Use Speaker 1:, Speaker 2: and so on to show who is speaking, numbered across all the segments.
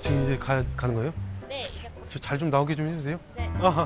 Speaker 1: 지금 이제 가는 거예요?
Speaker 2: 네, 이제
Speaker 1: 저 잘 좀 나오게 좀 해주세요.
Speaker 2: 네.
Speaker 1: 아하.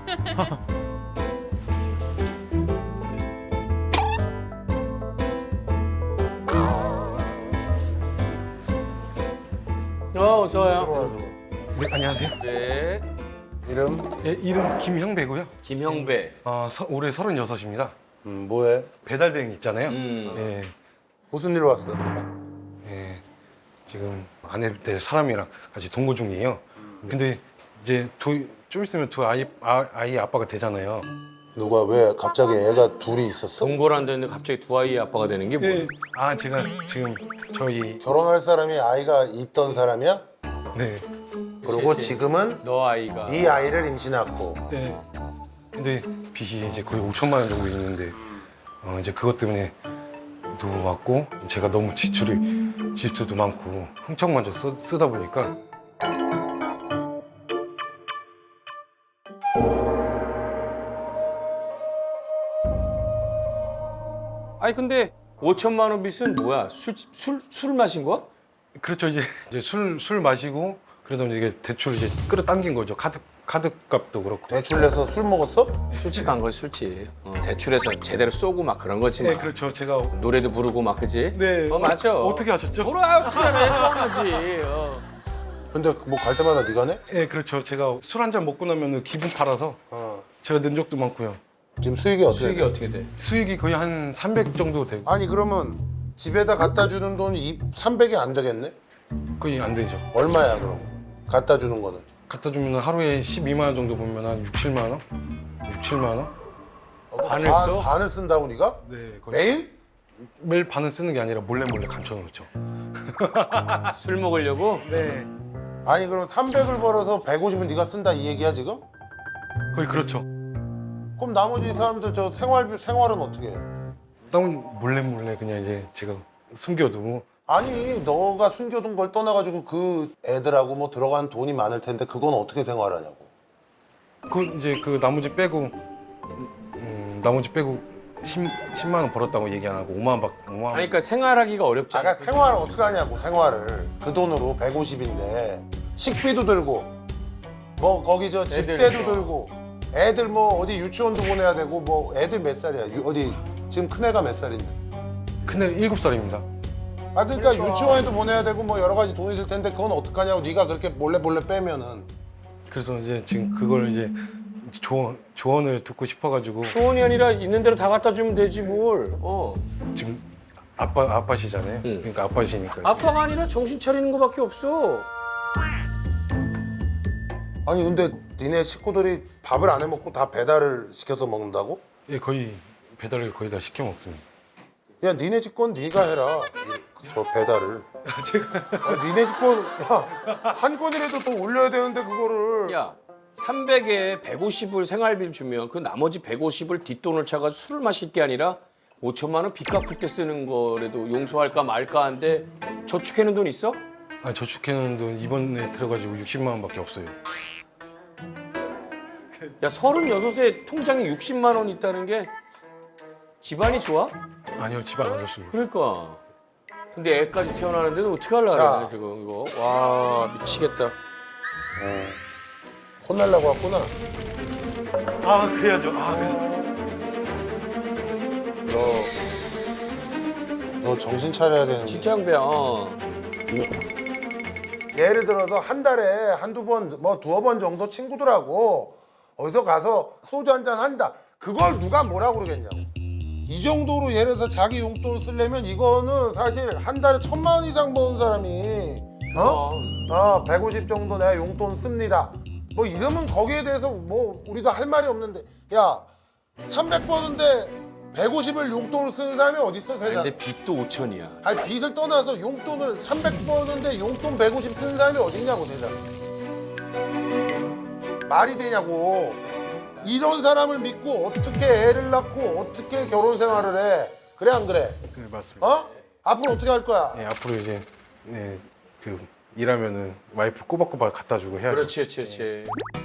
Speaker 3: 어서 와요.
Speaker 4: 들어와.
Speaker 1: 네, 안녕하세요.
Speaker 3: 네.
Speaker 4: 이름?
Speaker 1: 예, 이름 김형배고요.
Speaker 3: 김형배.
Speaker 1: 올해 36입니다.
Speaker 4: 뭐해?
Speaker 1: 배달 대행 있잖아요.
Speaker 3: 음.
Speaker 1: 예,
Speaker 4: 무슨 일 왔어?
Speaker 1: 예, 지금 아내 될 사람이랑 같이 동거 중이에요. 근데 이제 좀 있으면 두 아이 아빠가 되잖아요.
Speaker 4: 누가 왜 갑자기 애가 둘이 있었어?
Speaker 3: 동거를 안 됐는데 갑자기 두 아이의 아빠가 되는 게 뭐야?
Speaker 1: 예. 제가 지금 저희
Speaker 4: 결혼할 사람이 아이가 있던 사람이야?
Speaker 1: 네,
Speaker 4: 그리고
Speaker 3: 그치.
Speaker 4: 지금은
Speaker 3: 너 아이가.
Speaker 4: 네 아이를 임신했고.
Speaker 1: 네. 근데 빚이 이제 거의 5천만 원 정도 있는데 이제 그것 때문에 왔고 제가 너무 지출도 많고 흥청만져 쓰다 보니까
Speaker 3: 아니 근데 5천만 원 빚은 뭐야? 술 마신 거야?
Speaker 1: 그렇죠. 이제 술 마시고 그러다 보니 이게 대출 이제 끌어당긴 거죠. 카드 값도 그렇고.
Speaker 4: 대출 내서 술 먹었어?
Speaker 3: 술집한 걸 술집. 대출해서 제대로 쏘고 막 그런 거지.
Speaker 1: 네,
Speaker 3: 막.
Speaker 1: 그렇죠. 제가
Speaker 3: 노래도 부르고 막 그지?
Speaker 1: 네.
Speaker 3: 맞아.
Speaker 1: 어떻게 하셨죠?
Speaker 3: 뭐라 어떻게 하네? 뻔하지.
Speaker 4: 근데 뭐 갈 때마다 네가 내?
Speaker 1: 네, 그렇죠. 제가 술 한 잔 먹고 나면 기분 팔아서
Speaker 4: 어.
Speaker 1: 제가 낸 적도 많고요.
Speaker 4: 지금 수익이 어떻게
Speaker 3: 수익이
Speaker 4: 돼?
Speaker 3: 어떻게 돼?
Speaker 1: 수익이 거의 한 300 정도 되고
Speaker 4: 아니 그러면 집에다 갖다 주는 돈이 300이 안 되겠네?
Speaker 1: 거의 안 되죠.
Speaker 4: 얼마야 그럼? 갖다 주는 거는?
Speaker 1: 갖다 주면 하루에 12만 원 정도 보면 한 6, 7만 원? 6, 7만 원?
Speaker 3: 반을 써?
Speaker 4: 반을 쓴다고 네가?
Speaker 1: 네, 거의
Speaker 4: 매일?
Speaker 1: 매일 반은 쓰는 게 아니라 몰래 감춰놓죠.
Speaker 3: 술 먹으려고?
Speaker 1: 네.
Speaker 4: 아니 그럼 300을 벌어서 150은 네가 쓴다 이 얘기야 지금?
Speaker 1: 거의 그렇죠.
Speaker 4: 그럼 나머지 사람들 저 생활은 어떻게 해?
Speaker 1: 다운 몰래 그냥 이제 제가 숨겨두고
Speaker 4: 아니 너가 숨겨둔 걸 떠나가지고 그 애들하고 뭐 들어간 돈이 많을 텐데 그건 어떻게 생활하냐고.
Speaker 1: 이제 그 나머지 빼고 10만 원 벌었다고 얘기 안 하고 5만 원.
Speaker 3: 아니 그러니까 생활하기가 어렵잖아.
Speaker 4: 그러니까 생활을 어떻게 하냐고 생활을 그 돈으로 150인데 식비도 들고 뭐 거기 저 집세도
Speaker 3: 애들.
Speaker 4: 들고 애들 뭐 어디 유치원도 보내야 되고 뭐 애들 몇 살이야? 어디 지금 큰애가 몇 살인데?
Speaker 1: 근데 7살입니다.
Speaker 4: 아 그러니까 유치원에도 보내야 되고 뭐 여러 가지 돈이 들 텐데 그건 어떡하냐고 네가 그렇게 몰래 빼면은
Speaker 1: 그래서 이제 지금 그걸 이제 조언을 듣고 싶어가지고
Speaker 3: 소원이 아니라 있는 대로 다 갖다 주면 되지 뭘.
Speaker 1: 지금 아빠시잖아요.
Speaker 3: 응.
Speaker 1: 그러니까 아빠시니까.
Speaker 3: 아빠가 아니라 정신 차리는 거밖에 없어.
Speaker 4: 아니 근데 니네 식구들이 밥을 안 해 먹고 다 배달을 시켜서 먹는다고?
Speaker 1: 예, 거의 배달을 거의 다 시켜 먹습니다.
Speaker 4: 야 니네 집 건 네가 해라 저 배달을.
Speaker 1: 제가
Speaker 4: 니네 집 건 야 한 건이라도 더 올려야 되는데 그거를.
Speaker 3: 야 300에 150을 생활비를 주면 그 나머지 150을 뒷돈을 차가 술을 마실 게 아니라 5천만 원 빚 갚을 때 쓰는 거라도 용서할까 말까 한데 저축해놓은 돈 있어?
Speaker 1: 저축해놓은 돈 이번에 들어가지고 60만 원밖에 없어요.
Speaker 3: 야 36에 통장에 60만 원 있다는 게 집안이 좋아?
Speaker 1: 아니요, 집안 안 좋습니다.
Speaker 3: 그러니까. 근데 애까지 태어나는데도 어떻게 하려고
Speaker 4: 자.
Speaker 3: 그래 지금 이거. 와 미치겠다.
Speaker 4: 혼날라고 왔구나.
Speaker 1: 그래야죠. 그래서
Speaker 4: 너 정신 차려야 되는.
Speaker 3: 진짜 양배야.
Speaker 4: 예를 들어서 한 달에 한두 번, 뭐 두어 번 정도 친구들하고 어디서 가서 소주 한잔 한다. 그걸 누가 뭐라고 그러겠냐고. 이 정도로 예를 들어서 자기 용돈 쓰려면 이거는 사실 한 달에 1,000만 원 이상 버는 사람이 150 정도 내가 용돈 씁니다. 뭐 이러면 거기에 대해서 뭐 우리도 할 말이 없는데 야 300 버는데 150을 용돈을 쓰는 사람이 어디 있어 세상에.
Speaker 3: 근데 빚도 5천이야.
Speaker 4: 아니 빚을 떠나서 용돈을 300 버는데 용돈 150 쓰는 사람이 어딨냐고 세상에. 말이 되냐고. 이런 사람을 믿고 어떻게 애를 낳고 어떻게 결혼 생활을 해. 그래 안 그래?
Speaker 1: 네, 맞습니다.
Speaker 4: 어? 앞으로 어떻게 할 거야?
Speaker 1: 네, 앞으로 이제 일하면은 와이프 꼬박꼬박 갖다 주고 해야죠.
Speaker 3: 그렇지.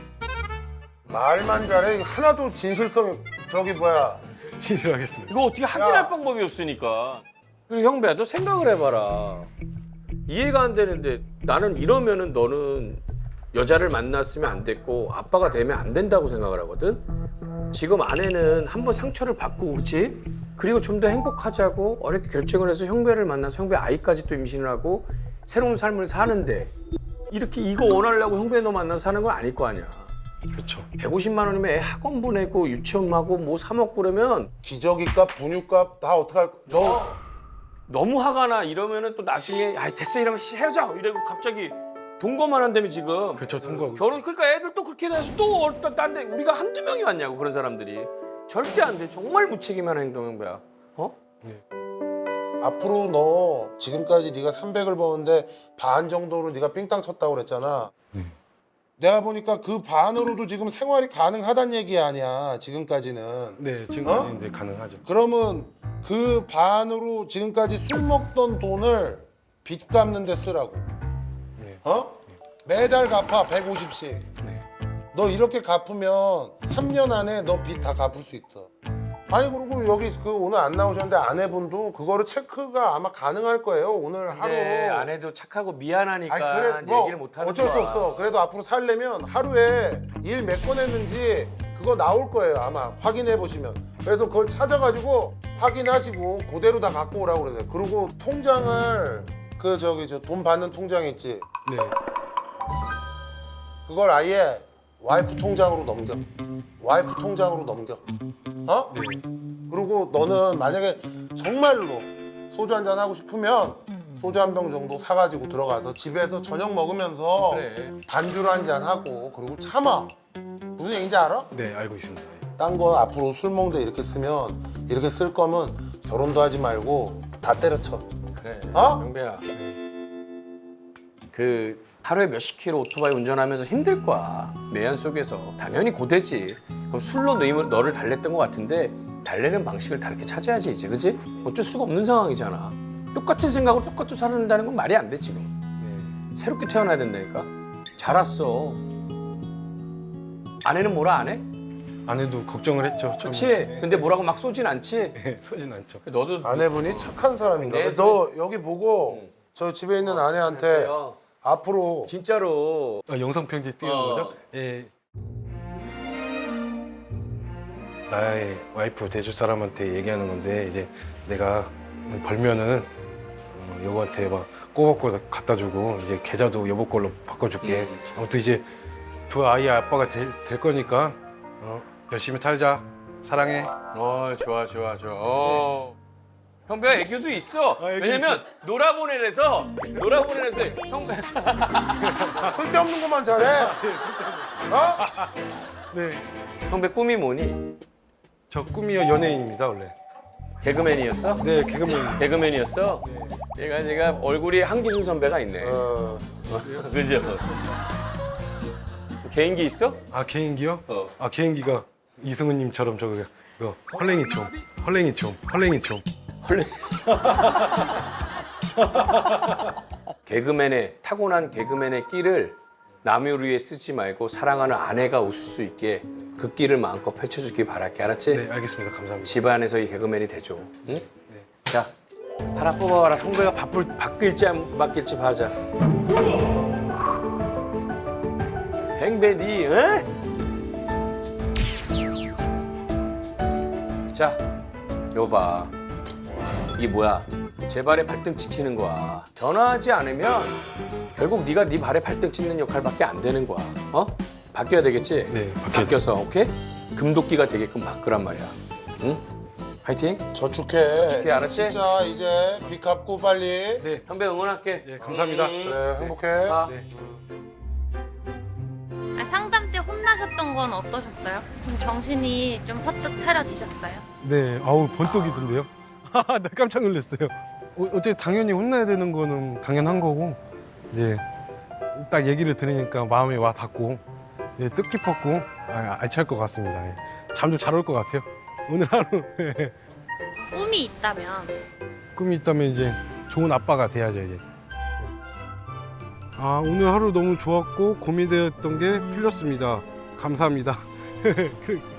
Speaker 4: 말만 잘해. 하나도 진실성이 저기 뭐야.
Speaker 1: 진실하겠습니다.
Speaker 3: 이거 어떻게 확인할 방법이 없으니까. 그리고 형배야 너 생각을 해봐라. 이해가 안 되는데 나는 이러면은 너는 여자를 만났으면 안 됐고 아빠가 되면 안 된다고 생각을 하거든. 지금 아내는 한번 상처를 받고 그렇지? 그리고 좀 더 행복하자고 어렵게 결정을 해서 형배를 만나서 형배 아이까지 또 임신을 하고 새로운 삶을 사는데 이렇게 이거 원하려고 형배 너 만나서 사는 건 아닐 거 아니야.
Speaker 1: 그렇죠.
Speaker 3: 150만 원이면 애 학원 보내고 유치원하고 뭐 사 먹고 그러면
Speaker 4: 기저귀값, 분유값 다 어떡할 거야? 너
Speaker 3: 너무 화가 나. 이러면은 또 나중에 아 됐어 이러면 헤어져 이러고 갑자기 동거만 한다며 지금.
Speaker 1: 그렇죠. 통과하고.
Speaker 3: 결혼 그러니까 애들 또 그렇게 돼서 또 딴데 우리가 한두 명이 왔냐고 그런 사람들이. 절대 안 돼. 정말 무책임한 행동인 거야. 어?
Speaker 4: 앞으로 너 지금까지 네가 300을 버는데 반 정도로 네가 삥땅 쳤다고 그랬잖아. 내가 보니까 그 반으로도 지금 생활이 가능하단 얘기 아니야. 지금까지는.
Speaker 1: 네, 지금까지 이제 가능하죠.
Speaker 4: 그러면 그 반으로 지금까지 술 먹던 돈을 빚 갚는 데 쓰라고.
Speaker 1: 네.
Speaker 4: 어? 매달 갚아 150씩.
Speaker 1: 네.
Speaker 4: 너 이렇게 갚으면 3년 안에 너 빚 다 갚을 수 있어. 아니 그리고 여기 그 오늘 안 나오셨는데 아내분도 그거를 체크가 아마 가능할 거예요. 오늘 하루.
Speaker 3: 네, 아내도 착하고 미안하니까
Speaker 4: 아니 그래 뭐
Speaker 3: 얘기를 못 하는
Speaker 4: 어쩔 수
Speaker 3: 거야.
Speaker 4: 없어. 그래도 앞으로 살려면 하루에 일 몇 건 했는지 그거 나올 거예요. 아마 확인해 보시면. 그래서 그걸 찾아가지고 확인하시고 그대로 다 갖고 오라고 그러세요. 그리고 통장을 그 저기 저 돈 받는 통장 있지.
Speaker 1: 네.
Speaker 4: 그걸 아예 와이프 통장으로 넘겨. 와이프 통장으로 넘겨. 어?
Speaker 1: 네.
Speaker 4: 그리고 너는 만약에 정말로 소주 한잔 하고 싶으면 소주 한 병 정도 사가지고 들어가서 집에서 저녁 먹으면서
Speaker 3: 그래.
Speaker 4: 반주를 한잔 하고 그리고 참아. 무슨 얘기인지 알아?
Speaker 1: 네, 알고 있습니다.
Speaker 4: 딴 거 앞으로 술 먹는데 이렇게 쓰면 이렇게 쓸 거면 결혼도 하지 말고 다 때려쳐.
Speaker 3: 그래.
Speaker 4: 어?
Speaker 3: 영배야. 그 하루에 몇십 킬로 오토바이 운전하면서 힘들 거야. 매연 속에서 당연히 고되지. 그럼 술로 너를 달랬던 것 같은데 달래는 방식을 다르게 찾아야지 이제, 그지? 어쩔 수가 없는 상황이잖아. 똑같은 생각으로 똑같이 살아낸다는 건 말이 안 돼 지금.
Speaker 1: 네.
Speaker 3: 새롭게 태어나야 된다니까. 잘 왔어. 아내는 뭐라 안 해?
Speaker 1: 아내도 걱정을 했죠.
Speaker 3: 그렇지. 근데 뭐라고 막 쏘진 않지.
Speaker 1: 네, 서진 않죠.
Speaker 3: 너도
Speaker 4: 아내분이 착한 사람인가?
Speaker 3: 네,
Speaker 4: 너 여기 보고 저 집에 있는 아내한테
Speaker 3: 그래요.
Speaker 4: 앞으로
Speaker 3: 진짜로.
Speaker 1: 영상 편지 띄우는
Speaker 3: 어.
Speaker 1: 거죠? 예. 나의 와이프 돼줄 사람한테 얘기하는 건데 이제 내가 벌면은 여보한테 막 꼬박꼬박 갖다 주고 이제 계좌도 여보 걸로 바꿔줄게. 아무튼 이제 두 아이의 아빠가 될 거니까 열심히 살자. 사랑해.
Speaker 3: 좋아. 형배가 애교도 있어.
Speaker 1: 아, 애교
Speaker 3: 왜냐면 놀아보내래서 형배.
Speaker 4: 쓸데없는 것만 잘해. 어?
Speaker 1: 네.
Speaker 3: 형배 꿈이 뭐니?
Speaker 1: 저 꿈이요 연예인입니다 원래.
Speaker 3: 개그맨이었어?
Speaker 1: 네 개그맨.
Speaker 3: 개그맨이었어? 제가 얼굴이 한기순 선배가 있네. 그죠? 개인기 있어?
Speaker 1: 아 개인기요?
Speaker 3: 어.
Speaker 1: 아 개인기가 이승우님처럼 저거 헐랭이총.
Speaker 3: 헐레. 개그맨의 타고난 개그맨의 끼를 남을 위해 쓰지 말고 사랑하는 아내가 웃을 수 있게 그 끼를 마음껏 펼쳐주길 바랄게. 알았지?
Speaker 1: 네 알겠습니다. 감사합니다.
Speaker 3: 집안에서 이 개그맨이 되죠. 응? 자, 하나 뽑아봐라. 형배가 바뀔지 안 바뀔지 봐자. 행배니, 응? 자, 이거 봐. 이게 뭐야? 제 발에 발등 찍히는 거야. 변화하지 않으면 결국 네가 네 발에 발등 찍는 역할밖에 안 되는 거야. 어? 바뀌어야 되겠지?
Speaker 1: 네,
Speaker 3: 바뀌어서 오케이? 금도끼가 되게끔 바꾸란 말이야. 응? 화이팅!
Speaker 4: 저축해.
Speaker 3: 알았지?
Speaker 4: 진짜 이제 빚 갚고 빨리.
Speaker 1: 네.
Speaker 3: 형배 응원할게.
Speaker 1: 예 감사합니다.
Speaker 4: 그래 행복해.
Speaker 3: 아.
Speaker 2: 상담 때 혼나셨던 건 어떠셨어요? 좀 정신이 좀 퍼뜩 차려지셨어요?
Speaker 1: 네, 아우 번뜩이던데요. 나 깜짝 놀랐어요. 어째 당연히 혼나야 되는 거는 당연한 거고 이제 딱 얘기를 들으니까 마음이 와 닿고 예, 뜻깊었고 알찰 것 같습니다. 예. 잠도 잘 올 것 같아요. 오늘 하루
Speaker 2: 꿈이 있다면
Speaker 1: 꿈이 있다면 이제 좋은 아빠가 돼야죠 이제. 아 오늘 하루 너무 좋았고 고민되었던 게 풀렸습니다. 감사합니다.